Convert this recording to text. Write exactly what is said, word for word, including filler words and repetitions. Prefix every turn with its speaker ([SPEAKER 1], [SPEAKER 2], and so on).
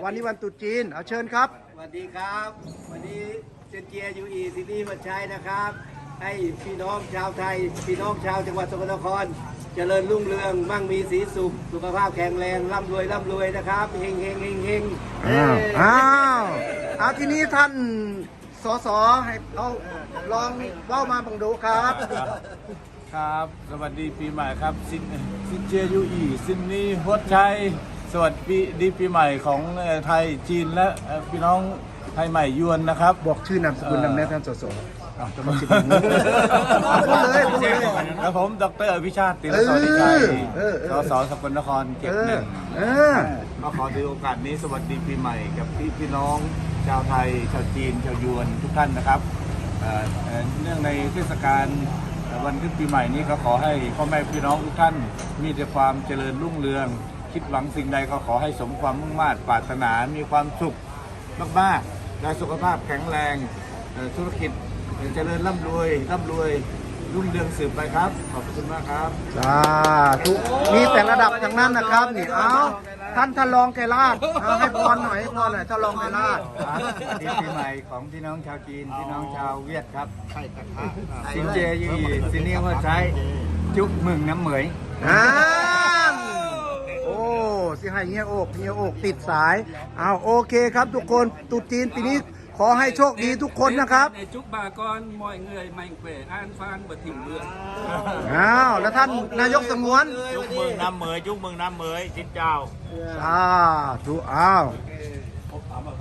[SPEAKER 1] วันนี้วันตรุษจีนเอาเชิญครับ
[SPEAKER 2] สวัสดีครับวันนี้เจนเจียยูอีซีนีมาใช้นะครับ ให้พี่น้องชาวไทยพี่น้องชาวจังหวัดสกลนครเจริญรุ่งเรืองมั่งมีสีสุขสุขภาพแข็งแรงร่ำรวยร่ำรวยนะครับเฮงเฮงเฮงเฮง
[SPEAKER 1] อ้าวอ้าวเอาทีนี้ท่านสสให้เอาลองเล่ามาบังดูครับ
[SPEAKER 3] ครับสวัสดีปีใหม่ครับซินซินเจียยูอีซินนี่ฮวดชัยสวัสดีปีใหม่ของไทยจีนและพี่น้องไทยใหม่ยวนนะครับ
[SPEAKER 1] บอกชื่อนามสกุลนำแน่ท่านสส
[SPEAKER 3] อ่ะ
[SPEAKER 1] จะมาคิดอย่างนี้พูดเลยพูดเลย
[SPEAKER 3] แล้วผมดรอภิชาติติรสวัสดิชัย
[SPEAKER 1] เออเอ
[SPEAKER 3] ส
[SPEAKER 1] อ
[SPEAKER 3] สสกลนครเก็บหนึ่ง
[SPEAKER 1] เออ
[SPEAKER 3] ก็ขอถือโอกาสนี้สวัสดีปีใหม่กับพี่พี่น้องชาวไทยชาวจีนชาวยวนทุกท่านนะครับเอ่อเอ่อเนื่องในเทศกาลวันขึ้นปีใหม่นี้ก็ขอให้พ่อแม่พี่น้องทุกท่านมีแต่ความเจริญรุ่งเรือง คิดหวังสิ่งใดก็ขอให้สมความมุ่งมา่ปรารถนามีความสุขมากๆและสุขภาพแข็งแรงเอ่อธุรกิจเจริญร่ำรวยร่ำรวยรุ่งเรืองสืบไปครับขอบคุณมากครับ
[SPEAKER 1] สาธุมีแต่ระดับทั้งนั้นนะครับนี่เอาท่านท่านรองไกรลาดเอาให้พรหน่อยให้พรหน่อยท่านรองไกรลาด
[SPEAKER 3] ปีปีใหม่ของพี่น้องชาวจีนพี่น้องชาวเวียดครับสินเจยีสินเนียว่าใช้จุกมึงน้ำเหมย
[SPEAKER 1] อ่าโอ้สิให้เงี้ยโอกเงี้ยโอกติดสายเอาโอเคครับทุกคนตรุษจีนปีนี้ขอให้โชคดีทุกคนนะครับ
[SPEAKER 4] ในจุกบากรมอยเงยไม่เกวอ่านฟานบดถิ่มเรือ
[SPEAKER 1] อ้าวแล้วท่านนายกสงวน
[SPEAKER 5] จุกเมืองน้ำเหมยจุกเมืองน้ำเหมยจิตเจ้า
[SPEAKER 1] สาธุอ้าว
[SPEAKER 2] เออ